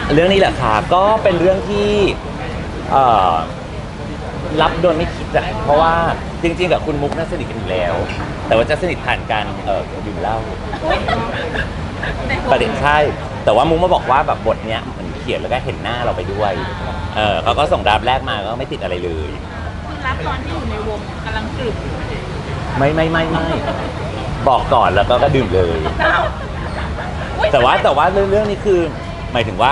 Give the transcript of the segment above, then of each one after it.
เรื่องนี้แหละค่ะก็เป็นเรื่องที่เอ่อรับโดยไม่คิดอะเพราะว่าจริงๆกับคุณมุกน่าสนิทกันอยู่แล้ว แต่ว่าจะสนิทผ่านการดื่มเหล้าประเด็นใช่แต่ว่ามุกมาบอกว่าแบบบทเนี้ยเหมือนเขียนแล้วก็เห็นหน้าเราไปด้วยเขาก็ส่งดราฟต์แรกมาก็ไม่ติดอะไรเลยคือรับตอนที่อยู่ในวงกำลังกรึบไม่บอกก่อนแล้วก็ดื่มเลย แต่ว่าเรื่องนี้คือหมายถึงว่า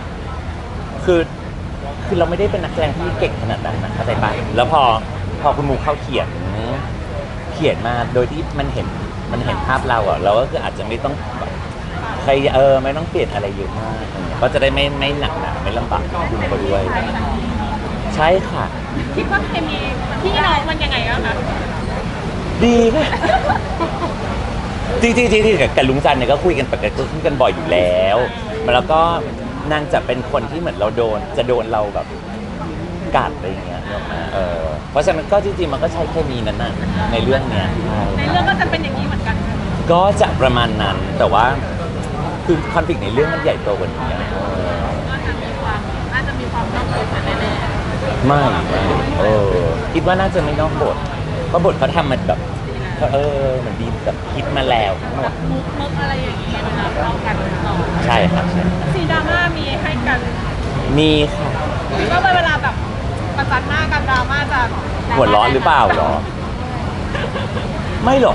คือเราไม่ได้เป็นนักแสดงที่เก่งขนาดนั้นนะเข้าใจปะแล้วพอคุณมูเข้าเขียนมาโดยที่มันเห็นภาพเราอ่ะเราก็คืออาจจะไม่ต้องแบบใครไม่ต้องเปลี่ยนอะไรเยอะมากก็จะได้ไม่หนักหนาไม่ลำบากคุณก็ด้วยใช่ค่ะคิดว่าเคมีพี่น้องมันยังไงอะคะดีค่ะจริงกับลุงจันเนี่ยก็คุยกันปกติคุยกันบ่อยอยู่แล้วแล้วก็นางจะเป็นคนที่เหมือนเราโดนเราแบบกัดอะไรอย่างเงี้ยเพราะฉะนั้นก็จริงๆมันก็ใช้เคมีนั้นน่ะในเรื่องเนี้ยในเรื่องก็จะเป็นอย่างนี้เหมือนกันก็จะประมาณนั้นแต่ว่าคือคอนฟ lict ในเรื่องมันใหญ่โตกว่านี้น่าจะมีความนอกบทแน่ๆไม่คิดว่าน่าจะไม่นอกบทเพราะบทเขาทำมันแบบเหมือนดีแบบคิดมาแล้วทั้งหมดมุกอะไรอย่างเงี้ยเวลาเรากันต่อใช่ครับใช่ซีดราม่ามีให้กันมีค่ะก็เวลาแบบประจันหน้ากันดราม่าจะหัวร้อนหรือเปล่าหรอไม่หรอก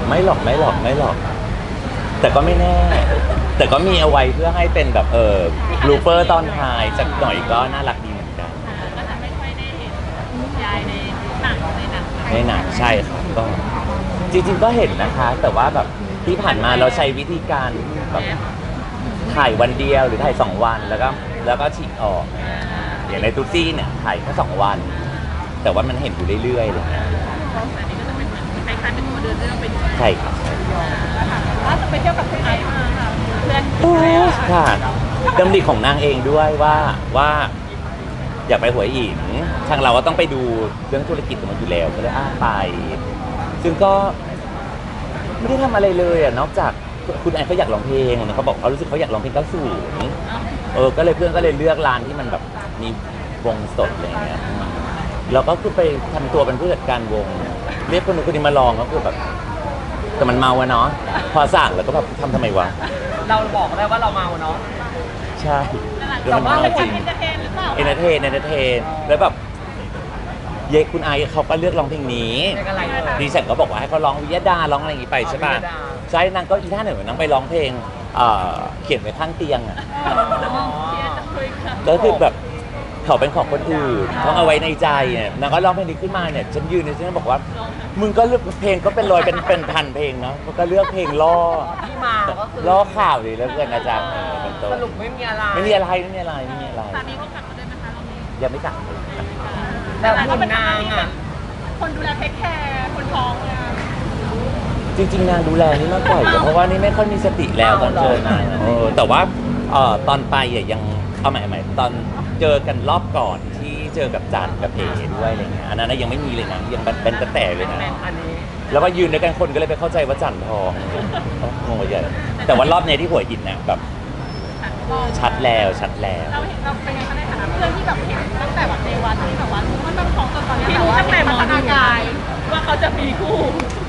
แต่ก็ไม่แน่แต่ก็มีเอาไว้เพื่อให้เป็นแบบลูเปอร์ตอนท้ายสักหน่อยก็น่ารักดีเหมือนกันก็จะไม่ค่อยได้เห็นยายในหนังใช่ครับก็จริงๆก็เห็นนะคะแต่ว่าแบบที่ผ่านมาเราใช้วิธีการแบบถ่ายวันเดียวหรือถ่าย2 วันแล้วก็ฉีกออกอย่างในตุ๊ซี่เนี่ยถ่ายแค่2 วันแต่ว่ามันเห็นอยู่เรื่อยๆเลยนะคล้ายๆเป็นตัวเดินเรื่องไปด้วยใช่ครับว่าจะไปเที่ยวกับคุณไอซ์มาค่ะเพื่อนค่ะดำริของนางเองด้วยว่าอยากไปหัวหินทางเราก็ต้องไปดูเรื่องธุรกิจของมันอยู่แล้วก็เลยไปซึ่งก็ไม่ได้ทำอะไรเลยนอกจากคุณไอเขาอยากร้องเพลงเขาบอกเขารู้สึกเขาอยากร้องเพลง90ก็เลยเพื่อนก็เลยเลือกร้านที่มันแบบมีวงสดอะไรอย่างเงี้ยเราก็คือไปทำตัวเป็นผู้จัดการวงเรียกคนนู้นคนนี้มาลองก็คือแบบแต่มันเมาอะเนาะพอสั่งแล้วก็แบบทำไมวะเราบอกได้ว่าเราเมาเนาะใช่แต่ว่าเราจริงเอนเตอร์เทนแล้วแบบเยคุณไอเขาก็เลือกร้องเพลงนี้ดิฉันก็บอกว่าให้เขาร้องวิยดาร้องอะไรอย่างงี้ไปใช่ป่ะใช่นางก็อีท่าหนึ่งนางไปร้องเพลงเขียนไว้ข้างเตียงอ่ะก็คือแบบเขาเป็นของคนอื่นต้องเอาไว้ในใจเนี่ยนางก็ร้องเพลงนี้ขึ้นมาเนี่ยฉันยืนเนี่ยฉันบอกว่ามึงก็เลือกเพลงก็เป็นร้อยเป็นพันเพลงเนาะก็เลือกเพลงล่อที่มาก็คือล่อข่าวดีแล้วเกินอาจารย์สรุปไม่มีอะไรสามีเขากลับมาด้วยไหมคะเรายังไม่กลับแต่คุณนางอ่ะคนดูแลเทคแคร์คนท้องเลยจริงๆนางดูแลนี่มากกว่าเพราะว่านี่ไม่ค่อยมีสติแล้วตอนเจอนางแต่ว่าตอนไปยังเอาใหม่ตอนเจอกันรอบก่อนที่เจอกับจันกับเอด้วยอะไรเงี้ยอันนั้นยังไม่มีเลยนะยังเป็นแต่เลยนะแล้วก็ยืนด้วยกันคนก็เลยไปเข้าใจว่าจันทองงงไปใหญ่แต่ว่ารอบนี้ที่หัวหินนะแบบชัดแล้วเราเห็นเราเป็นไงคะในฐานะเพื่อนที่แบบเห็นตั้งแต่แบบในวันที่แบบว่ามันต้องท้องจนตอนนี้แต่ว่าตั้งแต่พัฒนาการว่าเขาจะมีคู่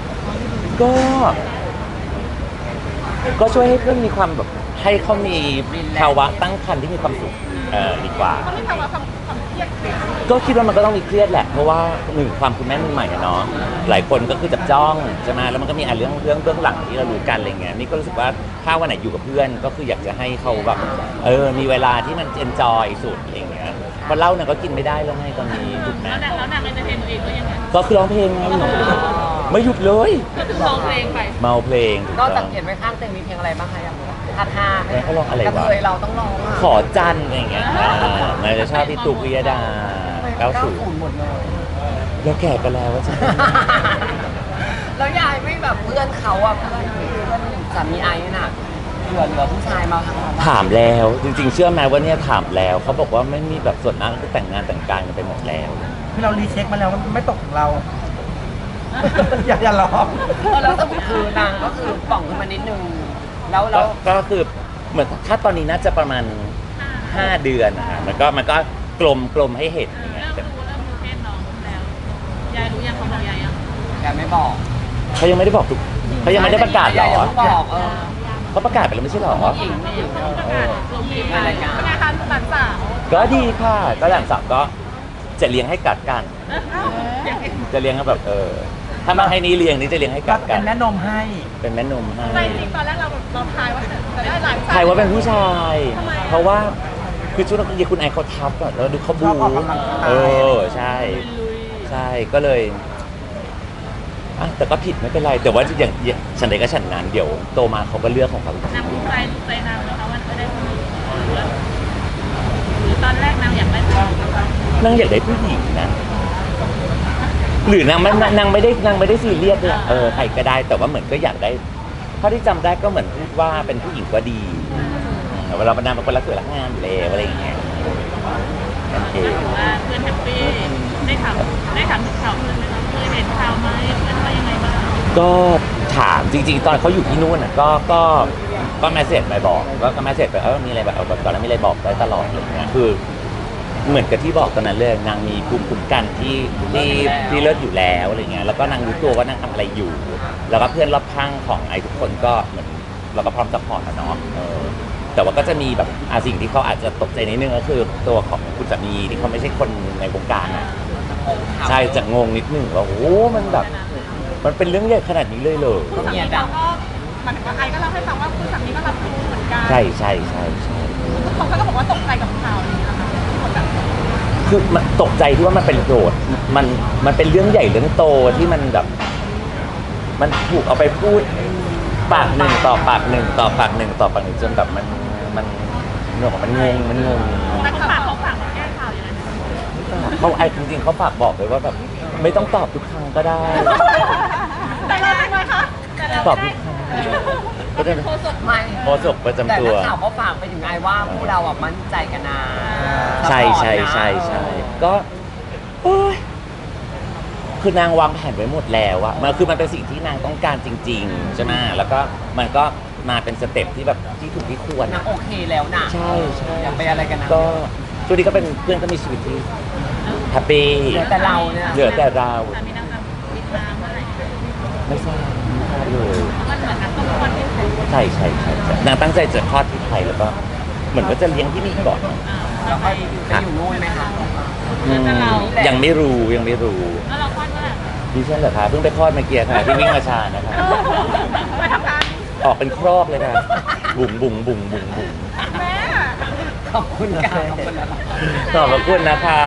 ก็ช่วยให้เพื่อนมีความแบบให้เขามีภาวะตั้งครรภ์ที่มีความสุขดีกว่าเขาไม่ภาวะความเครียดก็คิดว่ามันก็ต้องมีเครียดแหละเพราะว่าความคุณแม่มือใหม่เนาะหลายคนก็คือจับจ้องใช่ไหมแล้วมันก็มีเรื่องเบื้องหลังที่เรารู้กันอะไรเงี้ยนี่ก็รู้สึกว่าถ้าวันไหนอยู่กับเพื่อนก็คืออยากจะให้เขาแบบมีเวลาที่มันเอนจอยสุดอะไรเงี้ยเพราะเหล้าเนี่ยก็กินไม่ได้แล้วไงตอนนี้ถูกไหมแล้วนางเอนเตอร์เทนตัวเองก็ยังไงก็คือร้องเพลงไงไม่หยุดเลยก็คือร้องเพลงไปเมาเพลงนอกจากเขียนไว้ข้างเตียงมีเพลงอะไรบ้างคะอย่างท่าเขาร้องอะไรวะกระเทยเราต้องร้องขอจันอะไรเงี้ยนายจะชอบพี่ตุ๊กวิยดาหมดเลยแล้วแก่กันแล้วว่าใช่แล้วยายไม่แบบเพื่อนเขาอ่ะเพื่อนสามีไอ้น่ะเหลือผู้ชายมาถามแล้วจริงๆเชื่อไหมว่าเนี่ยถามแล้วเขาบอกว่าไม่มีแบบส่วนนั้นก็แต่งงานแต่งการกันไปหมดแล้วที่เรารีเช็คมาแล้วมันไม่ตกของเราอย่าล้อแล้วสมุดคือนางก็คือป่องขึ้นมานิดนึงแล้วก็คือเหมือนถ้าตอนนี้น่าจะประมาณ 5 เดือนนะฮะมันก็กลมให้เห็นอย่างเงี้ยเริ่มรู้เพศน้องแล้วยายรู้ยังเขาบอกยายยังแกไม่บอกเขายังไม่ได้บอกทุกเขายังไม่ได้ประกาศเหรอยังไม่บอกเขาประกาศไปแล้วไม่ใช่เหรอหญิงไม่หญิงประกาศลงทีมรายการเป็นไงคะหลานสาวก็ดีค่ะก็หลังสับก็จะเลี้ยงให้กัดกัน จะเลี้ยงแบบถ้ามาให้นี้เลี้ยงนี่จะเลี้ยงให้ก็กัดกัเป็น นแม่นมให้เป็นแม่นมให้ใจจริงตอนแรกเราทายว่าจะได้หลานสาวใครว่าเป็นผู้ชายทำไมอะเพราะว่าคือชุดนักเรียนคุณไอเขาทับอะแล้วดูเขาบูชอบออกกำลังกายใช่ลุยใช่ก็เลยอ่ะแต่ก็ผิดไม่เป็นไร แต่ว่าอย่างฉันใดก็ฉันนั้นเดี๋ยวโตมาเขาก็เลือกของเขานางถูกใจนางนะคะว่าได้คนนี้หรือตอนแรกนางอยากได้ผู้หญิงนางอยากได้ผู้หญิงนะหรือนางไม่ได้ซีเรียสเลยใครก็ได้แต่ว่าเหมือนก็อยากได้เท่าที่จำได้ก็เหมือนพูดว่าเป็นผู้หญิงก็ดีเวลานางเป็นคนรักสวยรักงามอยู่แล้วอะไรอย่างเงี้ยโอเคถือว่าเพื่อนแฮปปี้ได้ถามถึงข่าวเพื่อนไหมคะเคยเห็นข่าวไหมเพื่อนว่ายังไงบ้างก็ถามจริงๆ ตอนเขาอยู่ที่นู่นอ่ะก็แมสเซจไปบอกก็แมสเซจไปมีอะไรแบบตอนนั้นมีอะไรบอกได้ตลอดอะไรเงี้ยคือเหมือนกับที่บอกตอนนั้นเลยนางมีภูมิคุ้มกันที่เลิศอยู่แล้วอะไรเงี้ยแล้วก็นางรู้ตัวว่านางทำอะไรอยู่ แล้วก็เพื่อนรอบข้างของไอ้ทุกคนก็เหมือนเราก็พร้อมซัพพอร์ตอะเนาะแต่ว่าก็จะมีแบบสิ่งที่เขาอาจจะตกใจนิดนึงก็คือตัวของคุณสามีที่เขาไม่ใช่คนในวงการอะใช่จะงงนิดนึงว่าโอ้มันแบบมันเป็นเรื่องใหญ่ขนาดนี้เลยเหรอคุณสามีเขาก็หมายถึงว่าไอก็เล่าให้ฟังว่าคุณสามีก็รับรู้เหมือนกันใช่เขาก็บอกว่าตกใจกับข่าวนี้นะคะที่คนแบบคือมันตกใจที่ว่ามันเป็นโกรธมันเป็นเรื่องใหญ่เรื่องโตที่มันแบบมันถูกเอาไปพูดปากหนึ่งต่อปากหนึ่งต่อปากหนึ่งต่อปากหนึ่งจนแบบมันเรื่องของมันงงแต่เขาฝากมาแก้ข่าวอย่างนั้นเขาไอ้จริงๆเขาฝากบอกเลยว่าแบบไม่ต้องตอบทุกครั้งก็ได้แต่เราเป็นไงคะแต่เราตอบทุกครั้งก็ได้โฆษกไม่โฆษกประจำแต่ตัวนักข่าวก็ฝากไปถึงไอ้ว่าพวกเราอ่ะมั่นใจกันนะใช่ซัพพอร์ตนะก็โอ๊ยคือนางวางแผนไว้หมดแล้วอะมันคือมันเป็นสิ่งที่นางต้องการจริงๆใช่ไหมแล้วก็มันก็มาเป็นสเต็ปที่แบบที่ถูกที่ควรนางโอเคแล้วนะใช่อย่าไปอะไรกันนะก็ช่วงนี้ก็เป็นเพื่อนก็มีชีวิตที่แฮปปี้เหลือแต่เราเนี่ยเหลือแต่เราสามีนางแบบติดตามเมื่อไหร่ไม่ทราบเลยมันเหมือนนักต้องคนที่ถูกใช่นางตั้งใจจะคลอดที่ไทยแล้วก็เหมือนว่าจะเลี้ยงที่นี่ก่อนแล้วไปอยู่นู่นไหมคะยังไม่รู้แล้วเราคลอดเมื่อไหร่ดิฉันเหรอคะเพิ่งไปคลอดเมื่อกี้ค่ะที่วิ่งมาชานะคะไปทำงานออกเป็นครอกเลยค่ะบุ๋งแม่ขอบคุณค่ะขอบคุณนะคะขอบพระคุณนะคะ